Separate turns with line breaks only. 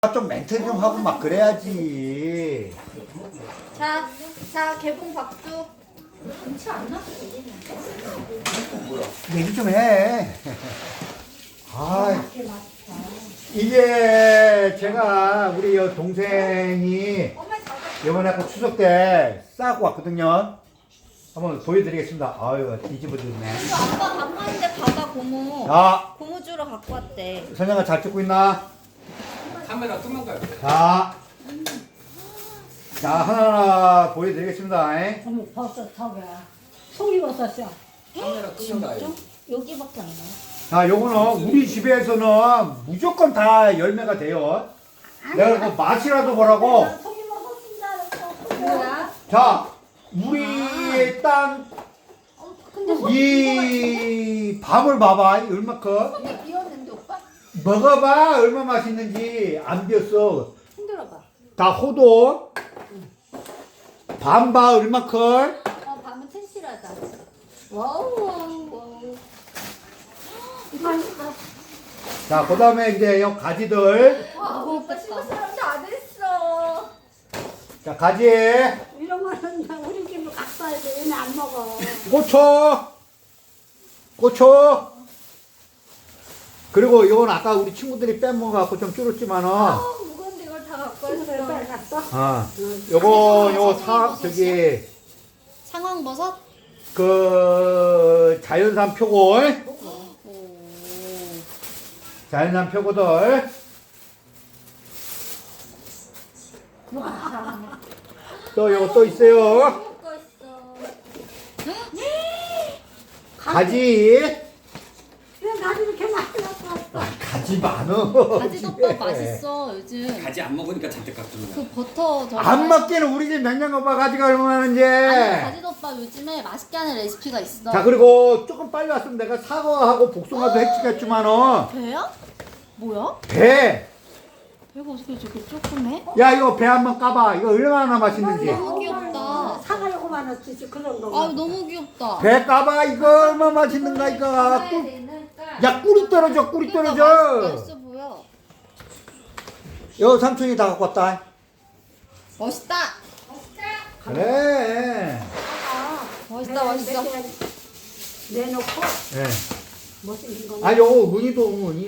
좀 멘트 좀 하고 막 그래야지.
자, 개봉 박수.
얘기 좀 해. 아, 이게 제가 우리 동생이 이번에 아까 추석 때 싸고 왔거든요. 한번 보여드리겠습니다. 아유, 뒤집어졌네.
이거 아빠 밥 먹는데 받아 고무.
자,
고무 주러 갖고 왔대.
선영아 잘 찍고 있나?
카메라 끄면 가요.
자, 하나하나 보여드리겠습니다.
어머 버섯 저게 송이버섯이야.
카메라 끄면 가요.
여기밖에 안 나와.
자, 요거는 우리 집에서는 무조건 다 열매가 돼요. 내가 그 맛이라도 보라고.
송이버섯인다.
뭐야?
자, 우리 땅, 이 밥을 봐봐. 얼마큼.
근데 비었는데 오빠?
먹어봐. 얼마 맛있는지. 안 비었어.
흔들어봐.
다 호도. 반바 얼마큼.
밤은 텐실하다. 와우.
자, 그 다음에 이제 요 가지들.
와, 오빠 친구 사람 다 됐어.
자, 가지.
이런 거는 다 우리 집을 갖고 와야 돼. 얘는 안 먹어.
고추. 그리고 이건 아까 우리 친구들이 빼먹어갖고 좀 줄었지만은.
무거운데 이걸 다 갖고 왔어.
빨리 갔어.
요거 저기
상황버섯?
그 자연산 표골. 자연산 표고들. 또 요거 또 있어요.
먹고 있어.
가지.
왜 나도 이렇게 많이 갖고 왔어?
가지 많어.
가지덮밥 맛있어 요즘.
가지 안 먹으니까 잔뜩 갖고
그
오는
버터 저.
안 먹기는 우리 집 냉장고가 가지가 얼마나 하는지.
아니 가지덮밥 요즘에 맛있게 하는 레시피가 있어.
자, 그리고 조금 빨리 왔으면 내가 사과하고 복숭아도 해치겠지만은.
배야? 뭐야?
배.
배가 어떻게 저렇게 조그매?
야, 이거 배 한번 까봐. 이거 얼마나 맛있는지.
너무 귀엽다.
사과 요거만 넣지 그 정도.
아 너무 귀엽다.
배 까봐. 이거 얼마나 맛있는가, 이거. 야, 꿀이 떨어져, 꿀이
그러니까
떨어져.
맛있어 보여.
여 삼촌이 다 갖고 왔다.
멋있다.
그래.
멋있어.
내놓고
예.
못생긴 거.
아, 요거 은희도 은희.